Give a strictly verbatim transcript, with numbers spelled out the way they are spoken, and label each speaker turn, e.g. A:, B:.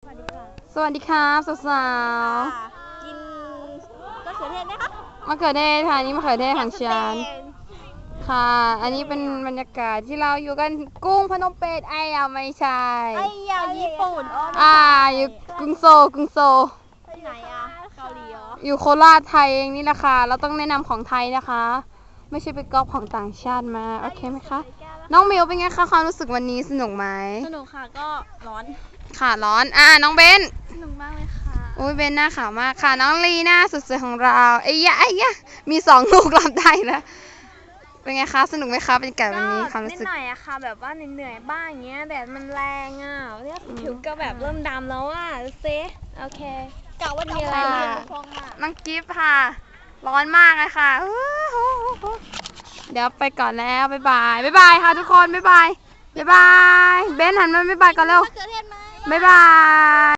A: วัสดีค่ะ
B: สวัสดีครับสาว
A: กินมะเขือเทศไหมคะ
B: ๆมะเขือเทศค่ะนี่มะเขือเทศของฉันค่ะ อันนี้เป็นบรรยากาศที่เราอยู่กันกุ้งพนมเปญไอ้อะไม่ใช่
A: ไอ้ยาญี่ปุ่นอ๋อ
B: อ่าอยู่กรุงโซลกรุงโซล
A: ที่ไหนอะเกาหลีเหรอ
B: อยู่โคราชไทยเองนี่แหละค่ะเราต้องแนะนำของไทยนะคะ ไม่ใช่ไปก๊อปของต่างชาติมาโอเคไหมคะน้องมิวเป็นไงคะความรู้สึกวันนี้สนุกไหม
A: สนุกค่ะก็ร้อน
B: ค่ะร้อนอ่าน้องเบน
A: สนุกมากเลยค่ะ
B: โอ้ยเบนหน้าขาวมากค่ะน้องลีหน้าสุดสวยของเราไอ้ยะไอ้ยะมีสองลูกรับได้แล้วเป็นไงคะสนุกไหมคะเป็นไก่วันนี้ความรู้
A: นิด
B: สึก
A: หน่อยอะค่ะแบบว่าเหนื่อยๆบ้างอย่างเงี้ยแดดมันแรงอะเนี่ยผิวก็แบบเริ่มดำแล้วอะดูซิโอเคกะว่ามีอะไรมาพองอะ
B: น้องกิฟต์ค่ะ ร้อนมากเลยค่ะอู้หูเดี๋ยวไปก่อนแล้วบ๊ายบายบ๊ายบายค่ะทุกคนบ๊ายบายบ๊ายบายเบนหันมาบ๊ายบายก่อนเร็ว
A: มะเขือเทศไหม
B: บ๊ายบาย